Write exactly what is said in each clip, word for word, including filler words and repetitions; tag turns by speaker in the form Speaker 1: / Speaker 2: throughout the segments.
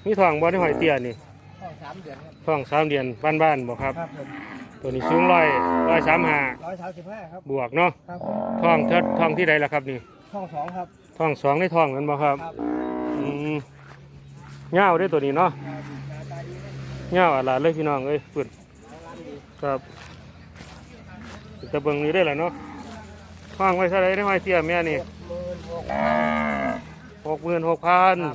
Speaker 1: มีทองบ่ได้หอยเตี้ยนี่
Speaker 2: ทองสามเดือนครับ
Speaker 1: ทองสามเดือนบ้านๆบ่ครับ
Speaker 2: ครับผม
Speaker 1: ตัวนี้สูงร้อยร้อยสามห้า
Speaker 2: ร้อยสามสิบห้าครับ
Speaker 1: บวกเนาะ
Speaker 2: ครับ
Speaker 1: ทองเทิดทองที่ใดล่ะครับนี่
Speaker 2: ทองสองครับ
Speaker 1: ทองสองในทองนั้นบ่ครับอืมเงาได้ตัวนี้เนาะเงาอะไรเลยพี่น้องเอ้ยฝุ่นครับจะเบิ่งนี้ได้แหละเนาะทองไว้เท่าไรได้หอยเตี้ยแม่นี่หกหมื่นหกพัน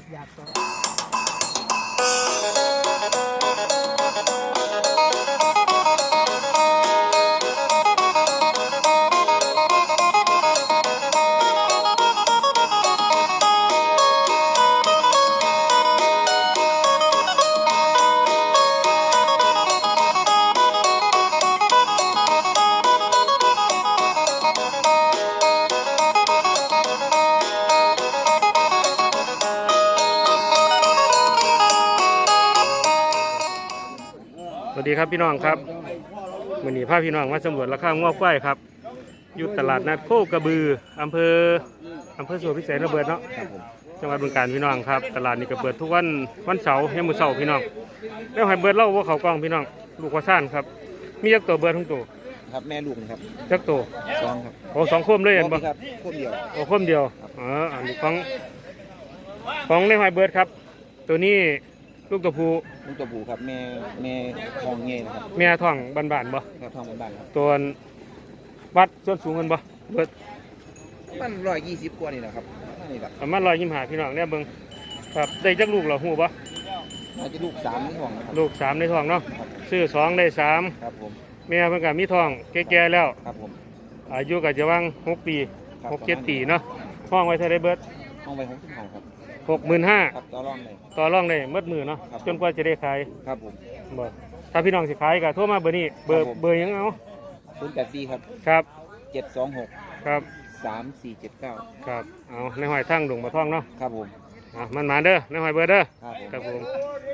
Speaker 1: สวัสดีครับพี่น้องครับวันนี้พาพี่น้องมาสำรวจราคางวควายครับอยู่ตลาดนัดโคกระบืออำเภออำเภอสวนพิเศษระเบิดเนาะจังหวัดบึงกาฬพี่น้องครับตลาดนี้ก็เปิดทุกวันวันเสาร์ให้มือเสาร์พี่น้องแล้วให้เบิดเล่าว่าเขากองพี่น้องลูกว่าซ่านครับมียักษ์ตัวเบิดทั้งตัว
Speaker 3: ครับแม่ลูกนะครับ
Speaker 1: ยักษ์ตัว
Speaker 3: สองครับ
Speaker 1: โอ้สองคมเลยเห็นปะ
Speaker 3: ครับคมเดียว
Speaker 1: โอ้คมเดียวอ๋ออันนี้ของของในหอยเบิดครับตัวนี้ลูกตัวผู้
Speaker 3: ลูกตัวผู้ครับแม่แม่ทองเงี้ยนะครับ
Speaker 1: แม่ท้องบานๆบ่
Speaker 3: แม่ทองบานๆครับ
Speaker 1: ตัววัดส่วนสูงกันบ่เบิด
Speaker 3: มันร้อยยี่สิบกว่านี่นะครับนี่แหละ
Speaker 1: ประมาณร้อยยี่สิบห้าพี่น้องเนี่ยเบิ่งครับได้จักลูกเหรอหูบ่
Speaker 3: อาจจะลูกสามในท้อง
Speaker 1: ลูกสามในท้องเนาะซื้อสองได้สาม
Speaker 3: ครับผม
Speaker 1: แม่เพิ่นก็มีท้องแก่ๆแล้ว
Speaker 3: ครับผม
Speaker 1: อายุก็จะว่างหกปีหกเจ็ดปีเนาะห้องไว้เท่าไรเบิด
Speaker 3: ห้องไว้หกสิบห้าครับ
Speaker 1: หกหมื่นห้า
Speaker 3: ครับต่อรองเลย
Speaker 1: ต่อรองได้มัดมือเนาะจนกว่าจะได้ขาย
Speaker 3: ครับผม
Speaker 1: บ่ถ้าพี่น้องสิขายก็โทรมาเบอร์นี้เบอร์เบอร์ยังเอา
Speaker 3: ศูนย์แปดสี่ครับ
Speaker 1: ครับ
Speaker 3: เจ็ดสองหก
Speaker 1: ครับ
Speaker 3: สามสี่เจ็ดเก้า
Speaker 1: ครับเอาในหอยทั้งดงบ่ท่องเนาะ
Speaker 3: ครับผม
Speaker 1: อ่ะมันมาเด้อในหอยเบอร์เด้อ
Speaker 3: ครับผม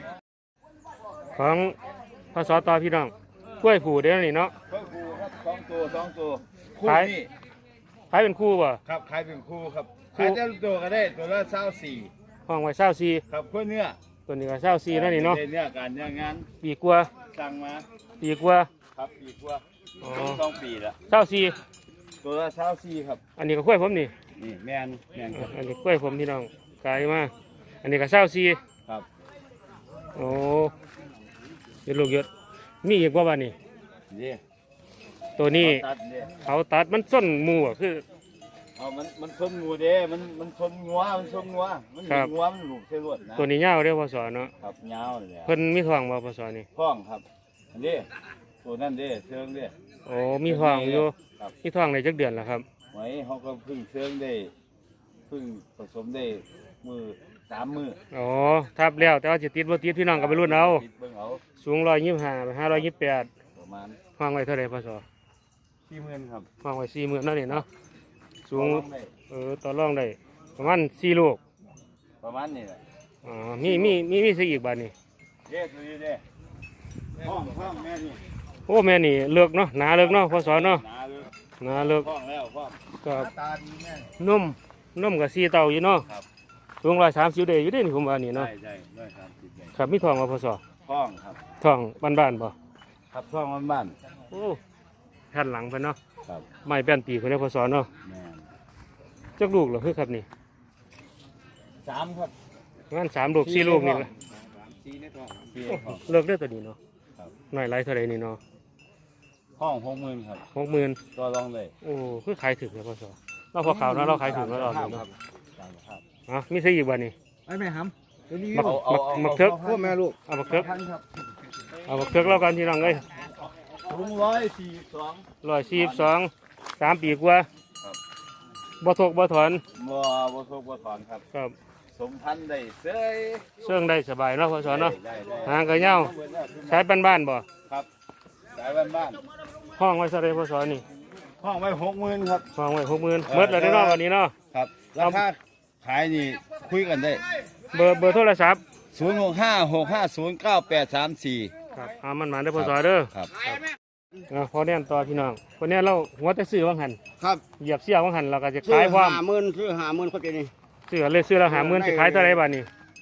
Speaker 1: ของพศต่อพี่น้องกล้วยผูเด้อนี่เนาะ
Speaker 4: กล้วยผูครับสองตัวสองตัว
Speaker 1: คู่นี่ขายเป็นคู่บ่
Speaker 4: ครับขายเป็นคู่ครับขายแต่ตัวก็ได้ตัวละเศร้าสี่
Speaker 1: ห้องไว้เศร้าสี่
Speaker 4: ครับกล้วยเนื้อ
Speaker 1: ตัวนี้ก็เศร้าสี่นั่นนี่เนาะ
Speaker 4: เนื้อการเนื้องาน
Speaker 1: ปีกว่า
Speaker 4: สั่งมา
Speaker 1: ปีกว่า
Speaker 4: ครับปีกว่าสองปีละ
Speaker 1: เศร้าสี่
Speaker 4: ตัวละเศร้าสี่ครับ
Speaker 1: อันนี้ก็กล้วยผมนี่
Speaker 4: นี่แมนแมนครับ
Speaker 1: อันนี้กล้วยผมพี่น้องกลายมาอันนี้ก็เศร้าสี่
Speaker 4: ครับ
Speaker 1: โอ้ยลูกเยอะมีอีกว่าบ้านนี่
Speaker 4: นี่
Speaker 1: ตัวนี้เขาตัดมันส้นมูอ่ะคือ
Speaker 4: เอามันมันชนงูเด้มันมันชนงัวมันชนงัวมันหนีงัวมันหลุดเส้นลวดนะ
Speaker 1: ตัวนี้ยาวเด้อพศเนาะ
Speaker 4: ครับยาวเลย
Speaker 1: เพิ่นมีทองบ่พศนี่
Speaker 4: ทองครับอันนี้ตัวนั่นเด้เชิงเด้
Speaker 1: โอ้มีทองอยู่มีทองในจักเดือนแล้วครับ
Speaker 4: ไว้เขาก็พึ่งเชิงได้พึ่งผสมได้มือสามมือ
Speaker 1: อ๋อทับแล้วแต่ว่าจะติดบ่ติดพี่น้องก็ไปรุ่นเอาสูงร้อยยี่สิบห้าห้าร้อยยี่สิบแปด
Speaker 4: ประมาณ
Speaker 1: ห้องไว้เท่าไหร่พศ
Speaker 4: สี่หมื่นครับ
Speaker 1: ห้องไว้สี่หมื่นนั่นนี่เนาะสูงเออต่อรองได้ประมาณสี่ลูก
Speaker 4: ประมาณนี้แหละ
Speaker 1: อ๋อมีมีมีมีสิอีกบาทนี่
Speaker 4: เด้ตัวนี้เด้ห้องห้องแม่นี่
Speaker 1: โอ้แม่นี่เลิกเนาะหนาเลิกเนาะพศเนาะหนาเลิก
Speaker 4: ห้องแล้วห้อง
Speaker 1: ก็นุ่มนุ่มกับสีเต่าอยู่เนาะสูงร้อยสามสิบเดย์อยู่ได้นี่ผมว่านี่เนาะ
Speaker 4: ใช่ใช่ร้อยสามสิบ
Speaker 1: ครับมีทองมาพศ
Speaker 4: ห้องครับ
Speaker 1: ทองบ้านบ้านป่ะ
Speaker 4: ครับห้องบ้านบ้าน
Speaker 1: โอ้แผ่นหลังเพิ่นเนาะ
Speaker 4: ครับ
Speaker 1: ไม้แป้นปีคนนี้พศเนาะจักลูกเหรอคือครับนี่
Speaker 4: สามครับ
Speaker 1: งั้นสามลูกสี่ลูกนี่ละเลิกได้ตัวนี้เนาะหน่อยไรเท่าไรนี่เนาะ
Speaker 4: ห้องหกหมื่นครับ
Speaker 1: หกหมื่น
Speaker 4: ก็ลองเลย
Speaker 1: โอ้คือขายถึงเลยพศเราพอข่าวนะเราขายถึงแล้วเรา
Speaker 4: ครับ
Speaker 1: อ่ะมีซื้ออีกวันนี้
Speaker 2: ไอ้แม่ห
Speaker 1: ำมักมักเถิก
Speaker 2: พ่อแม่ลูก
Speaker 1: เอามักเถิกเอามักเถิกแล้วกันที่น้องเลย
Speaker 4: ลุงร้อยสี่สอง
Speaker 1: ร้อยสี่สองสามปีกว่าบ่ทกบ่ถอน
Speaker 4: บ่บ่ทกบ่ถอนครับ
Speaker 1: ครับ
Speaker 4: สมพันธุ์ได้เสย
Speaker 1: เชื่องได้สบายเนาะพศเนาะหางกระเย้าใช้บ้านบ้านบ่
Speaker 4: ครับใช้บ้านบ้าน
Speaker 1: ห้องไว้เท่าไรพศนี่
Speaker 4: ห้องไว้หกหมื่นครับ
Speaker 1: ห้องไว้หกหมื่นเมื่อไรได้นอกวันนี้เนาะ
Speaker 4: ครับราคาขายนี่คุยกันได้
Speaker 1: เบอร์เบอร์โทรศัพท์
Speaker 4: ศูนย์หกห้าหกห้าศูนย์เก้าแปดสามสี่
Speaker 1: ครับอามันมาได้พศเด้อ
Speaker 4: ครับ
Speaker 1: พอแน่นต่อพี่น้องคนนี้เราหัวแต่ซื้อว่างหัน
Speaker 2: ครับ
Speaker 1: เหยียบเสี้ยวว่างหันเราก็จะขายความ
Speaker 2: หาหมื่นซื้อหาหมื่นคนเดียวนี่
Speaker 1: ซื้อเลยซื้อเราหาหมื่นจะขายเท่าไรบ้านี้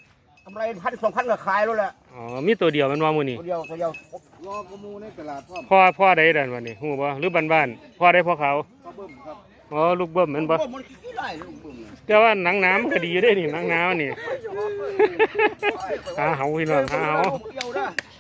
Speaker 3: กำไรพันสองพันก็ขายแล้วแหละ
Speaker 1: อ๋อมีตัวเดียวมันว่ามื้อนี้
Speaker 3: ตัวเดียวตัวเดียว
Speaker 2: รอกระมูในตลาดพ่อ
Speaker 1: พ่อพ่อใดดันวันนี้ฮู้บ่หรือบ้านๆพ่อใดพ่อเขา
Speaker 2: พ่อเบิ่มครับ
Speaker 1: อ๋อลูกเบิ้มแม่นบ่
Speaker 3: โอ้มันขี้ไล่ลูกบึ้ม
Speaker 1: แต่ว่าหนังน้ำก็ดีอยู่เด้นี่หนังน้ำนี่ หาเหาพี่น้องหาเหา
Speaker 3: เดียวนะ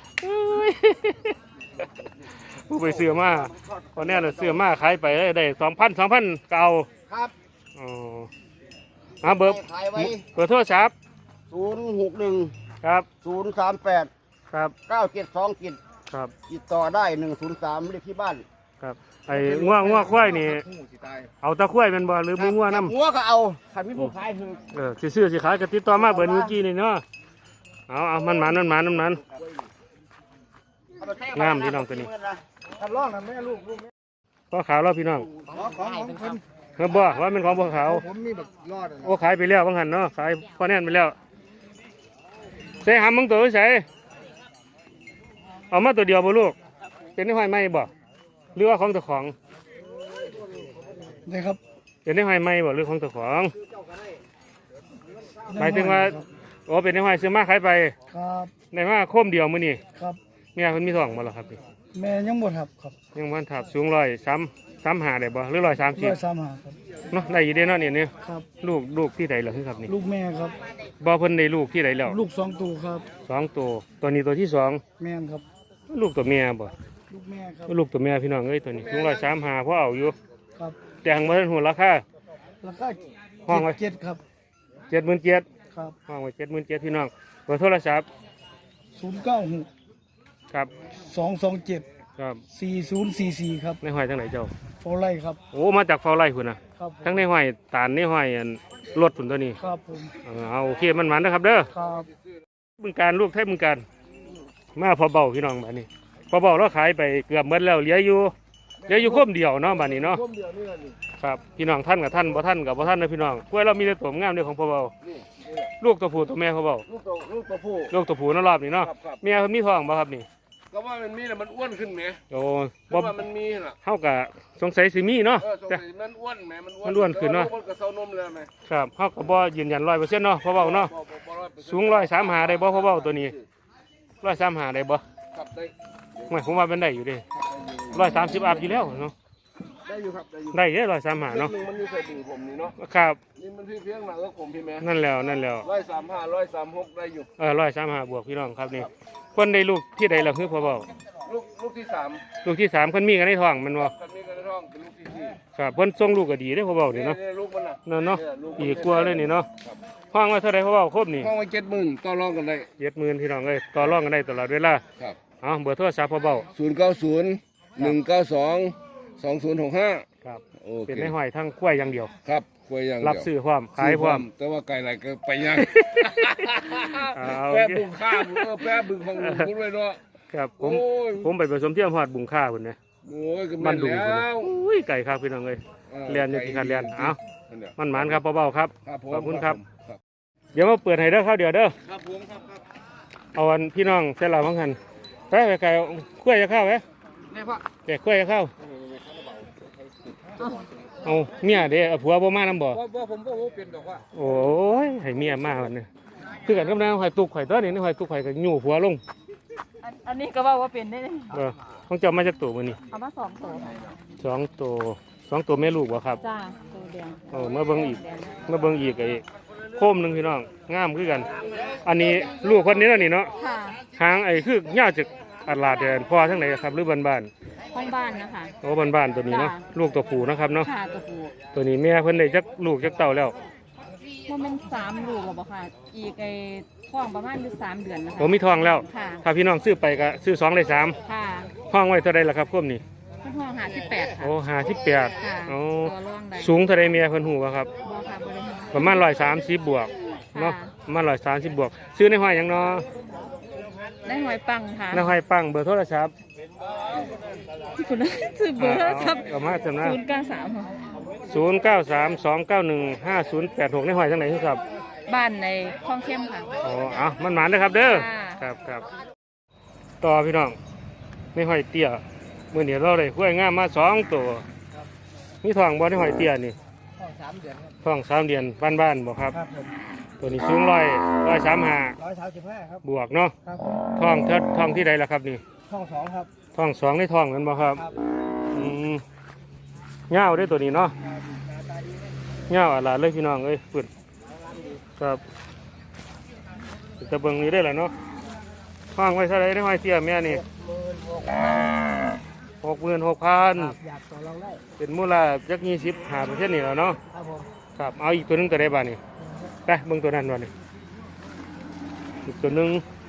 Speaker 1: ผู้ไปเสือมาตอนนี้เราเสือมาขายไปได้สองพันสองพันเก่า
Speaker 3: ครับ
Speaker 1: อ๋อหาเบอร์
Speaker 3: ขายไว้
Speaker 1: เบอร์โทรศัพท์
Speaker 3: ศูนย์หกหนึ่ง
Speaker 1: ครับ
Speaker 3: ศูนย์สามแปด
Speaker 1: ครับ
Speaker 3: เก้าเจ็ดสองเจ็ด
Speaker 1: ครับ
Speaker 3: ติดต่อได้หนึ่งศูนย์สามเลขที่บ้าน
Speaker 1: ครับไอ้ง่วงง่วงควายนี่
Speaker 2: หูสิตาย
Speaker 1: เอาตะควายเป็นบ่หรือมือง่วงน้
Speaker 3: หัวก็เอาขันมีผู้ขายคือ
Speaker 1: ำเออสิซื้อสิขายก็ติดต่อมาเบอร์เมื่อกี้นี่เนาะเอาเอามันหมันมันหมันมันหมัน งามพี่น้องตัวนี้
Speaker 2: ทำร่องนะแม่ลูกลูกแม่
Speaker 1: พ่อขาวเราพี่น้อง
Speaker 2: ขอของของคน
Speaker 1: เฮ้ยบ่ว่าเป็นของพ่อขาว
Speaker 2: ผมมีแบบรอดอะนะ
Speaker 1: โอ้ขายไปแล้วบางหันเนาะขายพ่อแน่นไปแล้วใส่หำมึงตัวใส่เอามาตัวเดียวบ่ลูกเป็นได้ห้อยไหมบ่หรือว่าของเจ้าของ
Speaker 2: นี่ครับ
Speaker 1: เป็นได้ห้อยไหมบ่หรือของเจ้าของหมายถึงว่าโอ้เป็นได้ห้อยซื้อมาขายไป
Speaker 2: ครับ
Speaker 1: ได้มาโคมเดียวมื้อนี้
Speaker 2: ครับ
Speaker 1: เมียเพิ่นมีท้องบ่ล่ะครับนี่
Speaker 2: แม่ยังบ่ทับครับ
Speaker 1: ยังบ่ทับสูงร้อยสามสามห้าได้บ่หรือร้อยสามสิ
Speaker 2: ร้
Speaker 1: บ
Speaker 2: อยสามหาครับ
Speaker 1: เนาะได้อยู่เด้เนาะเนี่ยเนี่ย
Speaker 2: ครับ
Speaker 1: ลูกลูกที่ใดเหรอครับนี่
Speaker 2: ลูกแม่ครับ
Speaker 1: บ่เพิ่นได้ลูกที่ใดแล้ว
Speaker 2: ลูกสองตัวครับ
Speaker 1: สองตัวตัวนี้ตัวที่สอง
Speaker 2: แม่นครับ
Speaker 1: ลูกตัวเมียบ่
Speaker 2: ลูกแม่ครับ
Speaker 1: ลูกตัวเมียพี่น้องเอ้ยตัวนี้สูงร้อยสามห้าพอเอาอยู่
Speaker 2: ครับ
Speaker 1: แต่หังบ่ทันหัวราคา
Speaker 2: ราคา
Speaker 1: ห้องไว้
Speaker 2: เจ็ดครับ
Speaker 1: เจ็ดหมื่นเจ็ด
Speaker 2: ครับ
Speaker 1: ห้องไว้เจ็ดหมื่นเจ็ดพี่น้องเบอร์โทรศัพท์
Speaker 2: ศูนย์เก้าหก
Speaker 1: ครับ
Speaker 2: สองสองเจ็ด
Speaker 1: ครับ
Speaker 2: สี่ศูนย์สี่สี่ครับ
Speaker 1: ในห้อยทางไหนเจ้า
Speaker 2: โฟไลครับ
Speaker 1: โอ้มาจากเฝ้าไร่พุ่นน่ะ
Speaker 2: ครับผม
Speaker 1: ทั้งในห้อยตาลในห้อยอันรถพุ่นตัวนี้
Speaker 2: ครับผม
Speaker 1: เออเอาโอเคมันมันนะครับเด้อ
Speaker 2: ครับ
Speaker 1: บึงการลูกไทยบึงการมาพอเบาพี่น้องบัดนี้พอเบาเราขายไปเกือบหมดแล้วเหลืออยู่เหลืออยู่คมเดียวเนาะบัดนี้เนาะ
Speaker 2: ร่วมเดียวนี่นี่
Speaker 1: ครับพี่น้องท่านกับท่านบ่ท่านกับบ่ท่านนะพี่น้องกล้วยเรามีแต่ตัวงามเด้อของพ่อเบาลูกตัวผู้ตัวแม่พ่อเบา
Speaker 4: ลูกตัวลูกตัวผู้
Speaker 1: ลูกตัวผู้เนั่นรอบนี้เนาะ
Speaker 4: ครับครับ
Speaker 1: เมียเพิ่นมีท้องบ่ครับนี่
Speaker 4: ก็ว่ามันมีแต่มันอ้วนขึ้นไหม
Speaker 1: โอ้
Speaker 4: เพ
Speaker 1: บ่
Speaker 4: ราะว่ามันมีน่ะ
Speaker 1: เฮาก็สงสัยสิมีเนาะ
Speaker 4: เออสง
Speaker 1: แต่
Speaker 4: สัยมันอ้วนไหมมันอ้วน
Speaker 1: มันอ้วนขึ้นเนอะ
Speaker 4: แต่ว่ลูกมันกับเซานมเลยไหม
Speaker 1: ครับเฮาก็บ่ยืนยันร้อยเปอร์เซ็นต์เนาะพ่อเบาเนาะ
Speaker 4: บ่บ่บ่ร้อยเปอร์เซ็นต์
Speaker 1: สูงร้อยสามหาได้บ่พ่อเบาตัวนี้ร้อยสามหาได้บ่
Speaker 4: ครับได้
Speaker 1: ไม่ผมว่าเป็นได้อยู่เด้ร้อยสามสิบอัพอยู่แล้วเนาะ
Speaker 4: ได้อยู่ครับได้อยู่
Speaker 1: ได้เด้ร้อยสามหา
Speaker 4: เนาะ
Speaker 1: เนาะ
Speaker 4: หนึ่งมันอยู่ใส่ถุงผมนี่เนาะ
Speaker 1: ครับ
Speaker 4: นี่มันพี่เพียงหนักก็ผมพี่แม่
Speaker 1: นั่นแล้วนั่นแล้ว
Speaker 4: ร้อยสามห้าร้อยสามหกได้อยู่
Speaker 1: เออร้อยสามหาบวกพี่น้องครับนี่คนได้ลูกที่ใดล่ะคือพ่อเบา
Speaker 4: ลูกลูกที่สาม
Speaker 1: ลูกที่สามคนมีกันในท้องแมันบ่
Speaker 4: กันนี้กันในท้องเป็นลูกที่สี่
Speaker 1: ครับเพิ่นส่งลูกก็ดีเด้อพ่อเบานี่เนาะ
Speaker 4: ยลูกมันน่ะ
Speaker 1: นั่นเนาะ
Speaker 4: ยลูกมัน
Speaker 1: อีกกลัวเลยนี่เนาะห้องไว้เท่าไรพ่อเบาครบนี่
Speaker 4: ห้องไว้เจ็ดหมื่นต่อรองกันได้
Speaker 1: เจ็ดหมื่นพี่น้องเอ้ยต่อรองกันได้ตลอดเวลา
Speaker 4: ครับ
Speaker 1: เอาเบอร์โทรศัพท์พ่อเบา
Speaker 4: ศูนย์เก้าศูนย์หนึ่งเก้าสองสองศูนย์หกห้า
Speaker 1: ครับ
Speaker 4: โอ
Speaker 1: เป็น
Speaker 4: เค
Speaker 1: ในห้อยทั้งกล้วยอย่างเดียว
Speaker 4: ครับคุยอย่างเดียว
Speaker 1: รับซื้อพร้อมขายพร้อม
Speaker 4: แต่ว่าไก่ไหลก็ไปยัง
Speaker 1: เอา
Speaker 4: แปะบุงข้ามเออแปะบึงของลุงคุณไว้เนาะ
Speaker 1: ครับผม
Speaker 4: โอ้ย
Speaker 1: ผมไปผสมเทียมฮอดบุงค่าพุ่นนะ
Speaker 4: โอ้ยก็
Speaker 1: มั
Speaker 4: แม่
Speaker 1: น
Speaker 4: น
Speaker 1: ดุงพุ่น
Speaker 4: แล้
Speaker 1: นะ
Speaker 4: ว
Speaker 1: อุ้ยไก่ครับพี่น้องเอ้ย เรียนอยู่ที่คันเรียนเอา มันหมานครับพ่อเบาครับ
Speaker 4: ครับผม
Speaker 1: ขอบคุณครับ
Speaker 4: ครับ
Speaker 1: เดี๋ยวมาเปิดให้เด้อครับเดี๋ยวเด้อ
Speaker 4: ครับผมครับครับ
Speaker 1: เอาอันพี่น้องเสร็จแล้วมั้งหันไปไปไก่กล้วยจะเข้าไหม
Speaker 4: นี่พ่อ
Speaker 1: แกกล้วยจะเข้าเอาเมียเด้อเอาผัวบ่มานํบ่
Speaker 4: ว่าว่าผมว่าผมเป็นดอกว่า
Speaker 1: โอ้ยให้เมียมาวันนี้คือกันกับนางหอยตุกหอยตัวนี้นี่หอยตุกหอยก็ยู่หัวลง
Speaker 5: อันอันนี้ก็ว่าว่าเป็นได้เลย
Speaker 1: เออของเจ้ามาจากตัวมื้อนี้
Speaker 5: เอามาสองตัวค่ะ
Speaker 1: สองตัวสองตัวแม่ลูกบ่ครับ
Speaker 5: จ้าตัวเดียว
Speaker 1: เออมาเบิ่งอีกมาเบิ่งอีกไอ้โคมหนึงพี่น้องงามคือกัน อันนี้ลูกคนนี้แล้วนี่เนาะ
Speaker 5: ค่ะ
Speaker 1: หางไอ้คือยาวจากอัดลาดแดนพ่อทั้งไหนครับหรือบ้านบ้าน
Speaker 5: ห้องบ้านนะคะ
Speaker 1: ๆโอ้บ้านบ้านๆตัวนี้เนาะลูกตัวผู้นะครับเนาะ
Speaker 5: ค่ะตัวผู้
Speaker 1: ตัวนี้แม่เพิ่นได้จักลูกจักเต่าแล้ว
Speaker 5: ว่ามันสามลูกหรอเปล่าค่ะ อีกไอ้ท้องประมาณอยู่สามเดือนนะคะ
Speaker 1: ผมมีทองแล้ว
Speaker 5: ค่ะ
Speaker 1: ถ้าพี่น้องซื้อไปก็ซื้อสองได้สาม
Speaker 5: ค่ะ
Speaker 1: ห้องไว้เท่าใดล่ะครับโคมนี่
Speaker 5: มันท้องหาสิบแปดค่ะ
Speaker 1: โอ้ห้าสิบแปด
Speaker 5: ค่ะ
Speaker 1: โอ้
Speaker 5: ตัวร่องได้
Speaker 1: สูงเท่าใดเมียเพิ่นฮู้บ่ครับ
Speaker 5: บอค่ะบริหาร
Speaker 1: ประมาณร้อยสามสิบบวกเนาะประมาณร้อยสามสิบบวก ซื้อในห้อยหยังเนาะ
Speaker 5: ได้หอยปังค่ะ
Speaker 1: ในห้อยปังเบอร์โทรศัพท์
Speaker 5: คุณชื่อเบอร์โทรศัพท์
Speaker 1: เอามาจำนะ
Speaker 5: ศูนย์เก้าสามค่ะ
Speaker 1: ศูนย์เก้าสามสองเก้าหนึ่งห้าศูนย์แปดหกในห้อยจังไหนครับ
Speaker 5: บ้านในคลองเข้มค่ะ
Speaker 1: อ๋อเอามันหมานนะครับเด้อ
Speaker 5: ค่ะ
Speaker 1: ครับครับต่อพี่น้องในห้อยเตี้ยมื่อนี้เราได้กล้วยงามมาสองตัวมีทองบ่ในห้อยเตี้ยนี่
Speaker 2: ห้องสามเดือนครับ
Speaker 1: ทองสามเดือนบ้านๆบ่ครับ
Speaker 2: ครับผม
Speaker 1: อตัวนี้สูงร้อยร้อยสามห้า
Speaker 2: ร้อยสามสิบห้าครับ
Speaker 1: บวกเนาะ
Speaker 2: ครับ
Speaker 1: ท้องเทิดท้องที่ใดล่ะครับนี่
Speaker 2: ช่องสองครับ
Speaker 1: ท้องสองในท้องกันบ่ครับ
Speaker 2: ครับ
Speaker 1: อืมเงาวได้ตัวนี้เนาะ
Speaker 2: ครับหน้าตาดีนะ
Speaker 1: เงาวอะไรเลยพี่น้องเอ้ยฝุ่นครับตะเบิงนี้ได้แหละเนาะท้องไว้เท่าไรได้ห้อยเตี้ยแม่นี่
Speaker 2: หมื่นหก
Speaker 1: หกหมื่นหกพัน
Speaker 2: อยากต่อรองได้
Speaker 1: เป็นมูลค่าจักยี่สิบห้าเปอร์เซ็นต์นี่แหละเนาะ
Speaker 2: ครับผม
Speaker 1: ครับเอาอีกตัวหนึงตัวใดบ้านี่ไปเบิ่งตัวนั้นบ้านี่อีกตัวหนึง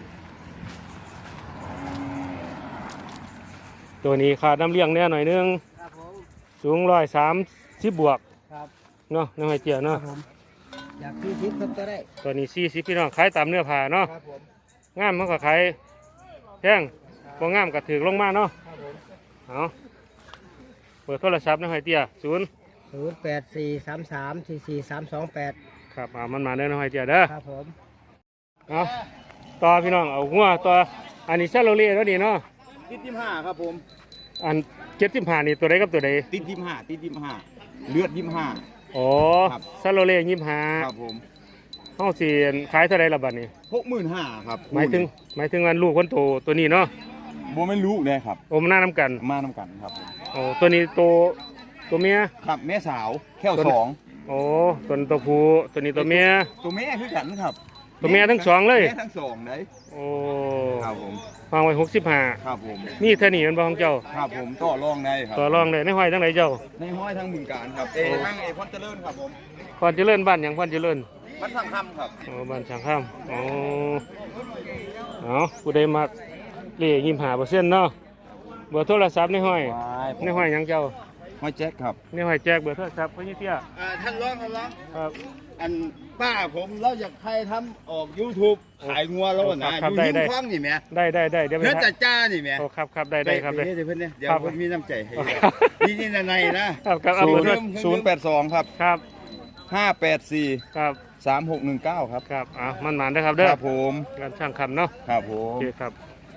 Speaker 1: ตัวนี้ขาดน้ำเลี้ยงแน่หน่อยนึง
Speaker 2: ครับผม
Speaker 1: สูงร้อยสามสิบบวก
Speaker 2: ครับ
Speaker 1: เนาะน้องไอเจีย
Speaker 2: ครั
Speaker 1: เนาะ
Speaker 2: บผมอยากที่ทิพย์ครับก็ได้
Speaker 1: ตัวนี้สี่สิบพี่น้องขายตามเนื้อผ้าเนาะ
Speaker 2: ครับผม
Speaker 1: งามมันก็ขายแพงบ่งามก็ถือลงมาเนาะ
Speaker 2: ครับผม
Speaker 1: เอาเปิดโทรศัพท์น้องไอเจียศูนย์
Speaker 2: ศูนย์แปดสี่สามสามสี่สี่สามสองแปด
Speaker 1: ครับเอามันมาเด้อน้องไอเจียเด้อ
Speaker 2: ครับผม
Speaker 1: เอาต่อพี่น้องเอาหัวต่ออันนี้ซาโลเล่แล้วนี่เนาะ
Speaker 4: ติดยี่ห้าครับผม
Speaker 1: อันเจ็ดสิบห้านี่ตัวใดกับตัวใด
Speaker 4: ติดยี่ห้าติดยี่ห้าเลือดยี่ห้า
Speaker 1: อ๋อ
Speaker 4: ครับ
Speaker 1: ซาโลเล่ยี่ห้า
Speaker 4: ครับผม
Speaker 1: เฮาสิขายเท่าไรละบัดนี้
Speaker 4: หกหมื่นห้าครับ
Speaker 1: หมายถึงหมายถึงวันลูกคนโตตัวนี้เนาะ
Speaker 4: บัวไม่รู้เลยครับ
Speaker 1: โอมหน้าน้ำกัน
Speaker 4: มาน้ำกันครับผม
Speaker 1: โอ้ตัวนี้ตัวตัวเมีย
Speaker 4: ครับแม่สาวแค่วสอง
Speaker 1: โอ้ตัวนี้ตัวผู้ตัวนี้ตัวเมีย
Speaker 4: ตัวแม่คือกันครับ
Speaker 1: ตัวแม่ทั้งสองเลย
Speaker 4: แม่ทั้งสองเลย
Speaker 1: โอ้
Speaker 4: ครับผม
Speaker 1: วางไว้หกสิบห้า
Speaker 4: ครับผม
Speaker 1: นี่เท่านี้มันบ่ของเจ้า
Speaker 4: ครับผมต่อรองได้ครับ
Speaker 1: ต่อรองเลยในห้อยทั้งไหนเจ้า
Speaker 4: ในห้อยทั้งบึงการครับเอทั้งเอพอนเจริญครับผม
Speaker 1: พรเจริญบ้านหยังพรเจริญ
Speaker 4: มันสั่งคำครับ
Speaker 1: โอ้บ้านช่างข้ามโอ้เอาผู้ใดมักเลี้ยยิ้มหาเปอร์เซ็นต์เนาะเบอร์โทรศัพท์ในห้อยในห้อยหยังเจ้า
Speaker 4: ห้อยแจ็คครับ
Speaker 1: ในห้อยแจกเบอร์โทรศัพท์เพื่อนเตี้ย
Speaker 4: อ่าท่านร้องท่านร้อง
Speaker 1: ครับ
Speaker 4: อันป้าผมเราอยากให้ทำออก YouTube ขายงัวแล้วนะ
Speaker 1: ครับ
Speaker 4: อยู่
Speaker 1: ได้
Speaker 4: ยิ้
Speaker 1: ได้
Speaker 4: มฟังนี่แหม่
Speaker 1: ได้ได้ได้เดี๋ยวไป
Speaker 4: เพื่อน
Speaker 1: ทั
Speaker 4: จั
Speaker 1: ก
Speaker 4: ดจ้านี่แหม่
Speaker 1: โอ้ครับครับได้ได้ครับได้
Speaker 4: เดี๋ยวเพื่อนเนี่ยเดี๋ยว
Speaker 1: ครับ
Speaker 4: เพื่อนมีน้ำใจให้
Speaker 1: ครับ
Speaker 4: นี่นี่ในนะครับ
Speaker 1: ครับเอา
Speaker 4: ศู
Speaker 1: เบอน ร์โทร
Speaker 4: ย์ศูนย์แปดสองครับ
Speaker 1: ครับ
Speaker 4: ห้าแปดสี่
Speaker 1: ครับ
Speaker 4: สามหกหนึ่งเก้าครับ
Speaker 1: ครับอ่ะมันหมานได้อครับเด้อ
Speaker 4: ครับผม
Speaker 1: การช่างคำเนาะ
Speaker 4: ครับผ
Speaker 1: โอ
Speaker 4: ม
Speaker 1: เคครับ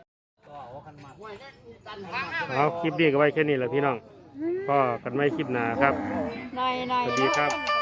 Speaker 1: เอาคลิปนี้ก็ไว้แค่นี้แหละพี่น้องก็กันไม่คลิปหนาครับ
Speaker 5: หน่อยหน่อย
Speaker 1: สวัสดีครับ